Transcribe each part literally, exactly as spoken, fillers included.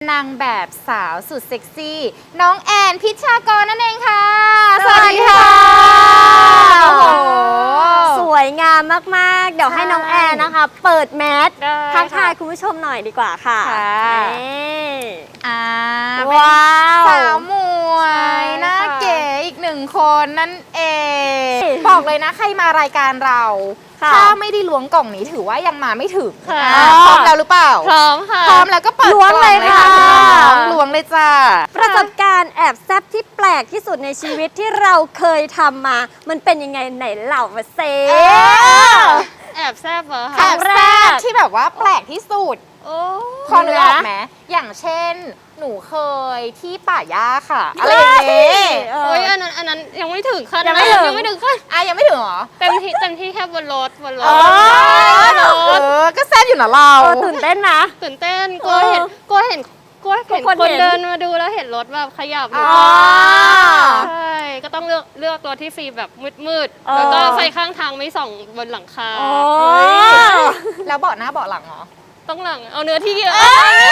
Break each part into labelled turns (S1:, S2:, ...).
S1: นางแบบสาวสุดเซ็กซี่น้องแอนพิชากรนั่นเองค่ะสวัสดีค่ะโอ้โห
S2: สวยงามมากๆเดี๋ยวให้น้องแอนนะคะเปิดแมสทักทายคุณผู้ชมหน่อยดีกว่าค่ะ
S1: อ่า
S2: ว้าว
S1: สาวหมวยน่าเก๋อีกหนึ่งคนนั่นเองบอกเลยนะใครมารายการเราถ้าไม่ได้ล้วงกล่องนี้ถือว่ายังมาไม่ถึงพร้อมแล้วหรือเปล่า
S2: พร้อมค่ะ
S1: พร้อมแล้วก็เปิดล้วงเลยค่ะล้วงเลยจ้า
S2: ประสบการณ์แอบแซ่บที่แปลกที่สุดในชีวิตที่เราเคยทำมามันเป็นยังไงไหนเล่ามาเซ
S3: แอบแซ่บเหรอคะ
S1: แอบแซ่บที่แบบว่าแปลกที่สุดพอนึกออกไหมอย่างเช่นหนูเคยที่ป่าหญ้าค่ะอะไรอย่างเงี้ย
S3: โอ้ยอันนั้นอันนั้นยังไม่ถึงขั้น
S2: ยังไม่ถึง
S3: ยังไม่ถึงขั้น
S1: อ่ะยังไม่ถึงเหรอ
S3: เต็มที่เต็มที่แค่บนรถบนรถ
S1: เออก็แซ่บอยู่นะเรา
S2: ตื่นเต้นนะ
S3: ตื่นเต้นกลัวเห็นกลัวเห็นกลัวเห็นคนเดินมาดูแล้วเห็นรถแบบขยับอยู่ใช่ก็ต้องเลือกเลือกรถที่ฟีแบบมืดๆแล้วก็ไฟข้างทางไม่ส่องบนหลังคา
S1: แล้วเบาะหน้าเบาะหลังเหรอ
S3: ต้องหลังเอาเนื้อที่เยอะ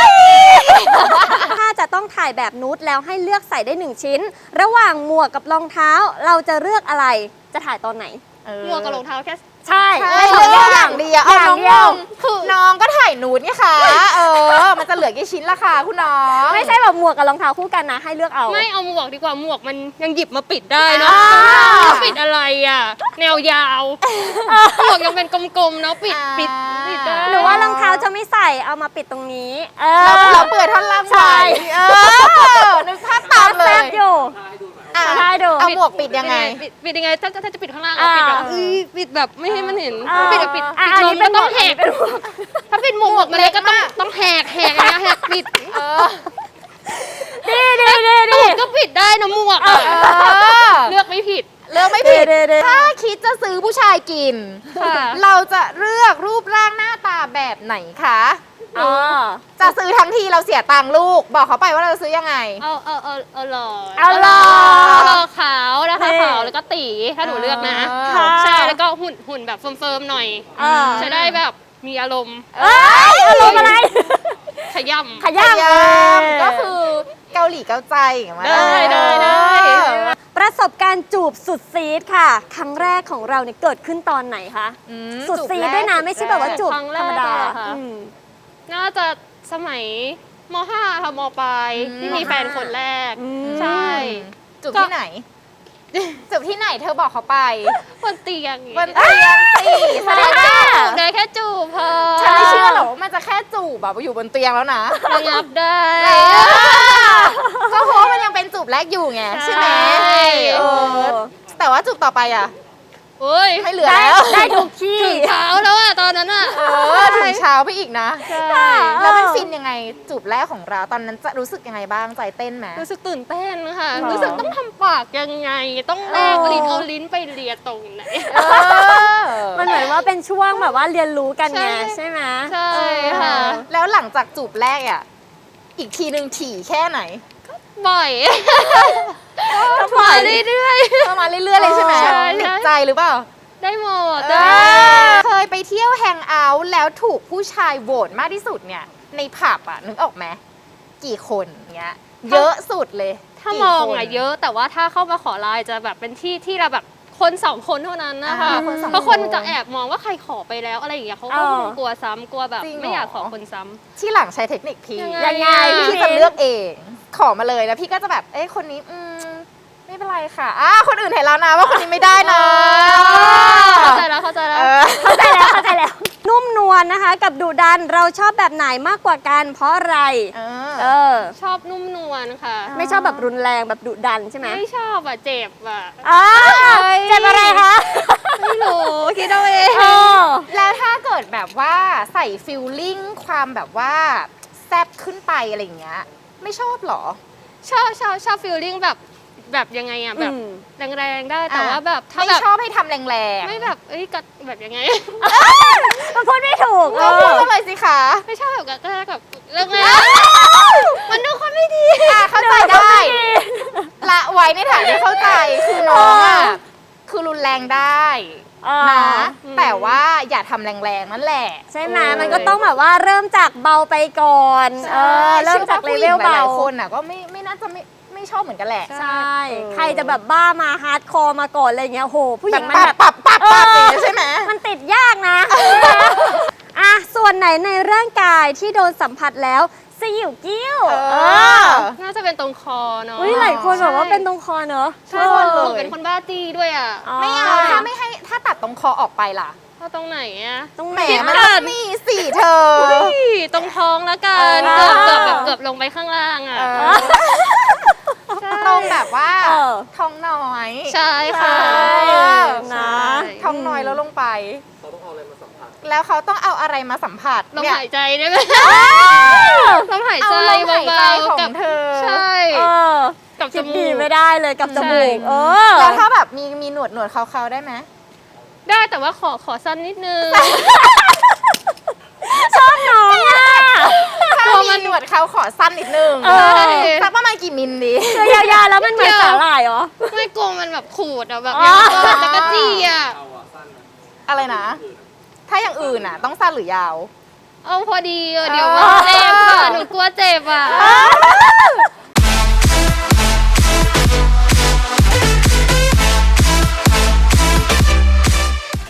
S2: ถ้าจะต้องถ่ายแบบนูดแล้วให้เลือกใส่ได้หนึ่งชิ้นระหว่างหมวกกับรองเท้าเราจะเลือกอะไรจะถ่ายตอนไหน
S3: หมวกกับรองเท้าแค่
S2: ใช่
S1: เลือกอย่างเดียวเอาน้องคือน้องก็ถ่ายนูดนี่ค่ะเออมันจะเหลือกี่ชิ้นละคะคุณน้อง
S2: ไม่ใช่แบบหมวกกับรองเท้าคู่กันนะให้เลือกเอา
S3: ไม่เอาหมวกดีกว่าหมวกมันยังหยิบมาปิดได้เนาะปิดอะไรอ่ะแนวยาวหมวกยังเป็นกลมๆเนาะปิดปิดปิดได้
S2: หรือว่ารองเท้าจะไม่ใส่เอามาปิดตรงนี้
S1: เราเราเปิดท่อนล่างไว้เออนึกภาพตามเลย
S2: อยู่ได้ดู
S1: เอาหมวกปิดยังไง
S3: ปิดยังไงถ้าถ้าจะปิดข้างล่างปิดแบบปิดแบบไม่ให้มันเห็นปิดปิดปิดนมก็ต้องแหกถ้าปิดหมวกมันเลยก็ต้องต้องแหกแหกนะแหกปิด
S2: ดีดีดี
S3: ดีก็ปิดได้นะหมวกเลือกไม่ผิด
S1: เลือกไม่ผิดถ้าคิดจะซื้อผู้ชายกินเราจะเลือกรูปร่างหน้าตาแบบไหนคะจะซื้อทั้งทีเราเสียตังค์ลูกบอกเขาไปว่าเราจะซื้อยังไง
S3: เอาเอาเอาเอาหล่อ
S2: เอาหล่อ
S3: หล่อขาวนะคะขาวแล้วก็ตีถ้าหนูเลือกนะใช่แล้วก็หุ่นหุ่นแบบเฟิร์มๆหน่อยจะได้แบบมีอารมณ์
S2: อารมณ์อะไร
S3: ขย่ำ
S2: ขย่
S1: ำก็คือเกาหลีเกาใจอย่างเงี้ย
S3: ได้ได้ได้
S2: ประสบการณ์จูบสุดซีดค่ะครั้งแรกของเราเนี่ยเกิดขึ้นตอนไหนคะสุดซีดด้วยนะไม่ใช่แบบว่าจูบธรรมดา
S3: น่าจะสมัยม.ห้า ค่ะม.ปลายที่มีแฟนคนแรกใช่
S1: จูบที่ไหนจูบที่ไหนเธอบอกเขาไป
S3: บนเตียง
S1: บนเตียงสิ
S3: แสดงว่าจูบได้แค่จูบพอ
S1: ฉันไม่เชื่อหรอกว่ามันจะแค่จูบแบบอยู่บนเตียงแล้วนะ
S3: ระงับได้
S1: ก็เพราะมันยังเป็นจูบแรกอยู่ไงใช่ไหมแต่ว่าจูบต่อไปอ่ะ
S3: โอ้ย
S1: ไม่เหลือแล้ว
S2: ได้ทุกที่
S3: ถึงเช้าแล้วอะตอนนั้นอะ
S1: เออถึงเช้าไปอีกนะแล้วมันฟินยังไงจูบแรกของเราตอนนั้นจะรู้สึกยังไงบ้างใจเต้นไหม
S3: รู้สึกตื่นเต้นค่ะรู้สึกต้องทำปากยังไงต้องแลกลิ้นเอาลิ้นไปเลียตรงไหน
S2: มันเหมือนว่าเป็นช่วงแบบว่าเรียนรู้กันไงใช่ไหม
S3: ใช่ค่ะ
S1: แล้วหลังจากจูบแรกอ่ะอีกทีนึงถี่แค่ไหน
S3: บ่อยมาเรื่อย
S1: ๆมาเรื่อยๆเลยใช่ไหมติดใจหรือเปล่า
S3: ได้หมด
S1: เคยไปเที่ยวแฮงเอาท์แล้วถูกผู้ชายโหวตมากที่สุดเนี่ยในผับอ่ะนึกออกไหมกี่คนเงี้ยเยอะสุดเลย
S3: ถ้ามองอ่ะเยอะแต่ว่าถ้าเข้ามาขอไลน์จะแบบเป็นที่ที่เราแบบคนสองคนเท่านั้นนะคะเพราะคนจะแอบมองว่าใครขอไปแล้วอะไรอย่างเงี้ยเขาก็กลัวซ้ำกลัวแบบไม่อยากขอคนซ้ำ
S1: ที่หลังใช้เทคนิคพี่
S2: ยังไง
S1: พี่จะเลือกเองขอมาเลยแล้วพี่ก็จะแบบเอ้คนนี้อืมไม่เป็นไรค่ะอ่าคนอื่นเห็นแล้วนะว่าคนนี้ไม่ได้นะ
S3: เข้าใจแล้วเข้าใจแล้ว
S2: เข้าใจแล้วเข้าใจแล้วนุ่มนวลนะคะกับดุดันเราชอบแบบไหนมากกว่ากันเพราะอะไร
S1: เอ
S3: อชอบนุ่มนวลค่ะ
S2: ไม่ชอบแบบรุนแรงแบบดุดันใช่ไหม
S3: ไม่ชอบอ่ะเจ็บอ่ะ
S2: เจ็บอะไรคะ
S3: ไม่รู้คิดเอาเอง
S1: แล้วถ้าเกิดแบบว่าใส่ฟิลลิ่งความแบบว่าแซ่บขึ้นไปอะไรอย่างเงี้ยไม่ชอบหรอ
S3: ชอบชอบชอบฟิลลิ่งแบบแบบยังไงอ่ะแบบแรงๆได้แต่ว่าแบบ
S1: ถ้าไม่ชอบให้ทำแรง
S3: ๆไม่แบบเอ้ยกัดแบบยังไง
S2: มันพูดไม่ถูก
S1: ก็พูดมาเลยสิคะ
S3: ไม่ชอบแบบกัดแบบเรื่องไงมันดูคนไม่ดี
S1: เข้าใจได้ละไว้ในฐานที่เข้าใจคือน้องอ่ะคือรุนแรงได้
S2: อ่า
S1: นะ
S3: อืม
S1: แต่ว่าอย่าทำแรงๆนั่นแหละ
S2: ใช่ไหม
S1: เออ
S2: มันก็ต้องแบบว่าเริ่มจากเบาไปก่อนเออเริ่มจากเลเวล
S1: ชื่อว่ผู้หญิงห
S2: เบา
S1: ลายๆคนน่ะก็ไม่ไม่น่าจะไม่ไม่ชอบเหมือนกันแหละ
S2: ใช่
S1: เออ
S2: ใครจะแบบบ้ามาฮาร์ดคอร์มาก่อนอะไรเงี้ยโหผู้ห
S1: แบ
S2: ญิ
S1: บ
S2: งมัน
S1: ปับ
S2: แบบ
S1: ปับปับปับ
S2: เออ
S1: อย่างเงี้ยใช่ไหม
S2: มันติดยากนะ อ่ะส่วนไหนในร่างกายที่โดนสัมผัสแล้วสยิวกิ้ว
S1: เออ
S2: เออ
S3: น่าจะเป็นตรงคอเนาะ
S2: อุ้ยหลายคนบอกว่าเป็นตรงคอเนอะ
S3: ใช่
S1: ทุกคนเลย
S3: หนูเป็นคนบ้าจี้ด้วยอ่ะ
S1: ไม่เอาถ้าไม่ให้ถ้าตัดตรงคอออกไปล่ะ
S3: เพราะตรงไหนอ่ะ
S2: ตรง
S1: แห
S2: ไห
S1: ม
S2: น
S1: มัน
S2: อะ
S1: ต้องมีสี่เธอ
S3: เฮ้ยตรงท้องแล้วกัน
S1: เอ
S3: เกื
S1: อ
S3: อบเกือบแบบเกือบลงไปข้างล่างอ่ะ
S1: เออตรงแบบว่า
S2: เออ
S1: ท้องน้อย
S3: ใช่ค่ะ
S2: ใช่
S1: เออ
S2: นะ
S1: ท้องน้อยแล้วลงไป แล้วเขาต้องเอาอะไรมาสัมผัส
S3: ลม
S1: เนี่ย
S3: หายใจได้ไหมลมหาย
S1: เอา
S3: ใจ
S1: ลมหายใจ
S3: เบา
S1: ของ
S3: ๆกับ
S1: เธอ
S3: ใช่
S2: เออ
S3: กับจ
S2: คิด
S3: มู
S2: ดี
S3: ก
S2: ไม่ได้เลยกับจ
S3: ใช่
S2: มูกเออ
S1: แล้วถ้าแบบมีมีหนวดหนวดเขาๆได้ไหม
S3: ได้แต่ว่าขอขอสั้นนิดนึง
S2: ชอบน้องอ่ะ
S1: ถ้ามีหนวดเขาขอสั้นนิดนึง
S2: เออ
S1: สักประมาณกี่มิลดี
S2: คือยาวๆแล้วมันเหมือนสาหร่ายเหรอ
S3: ไม่กลัวมันแบบขูดอ่ะแบบ
S2: อ๋อ
S3: ยังก็จะกระจี้อ่ะ
S1: อะไรนะ ถ้าอย่างอื่นอ่ะ ต้องสั้นหรือยาว
S3: เอาพอดีอะเดี๋ยวมันเจ็บอ่ะหนูกลัวเจ็บอ่ะ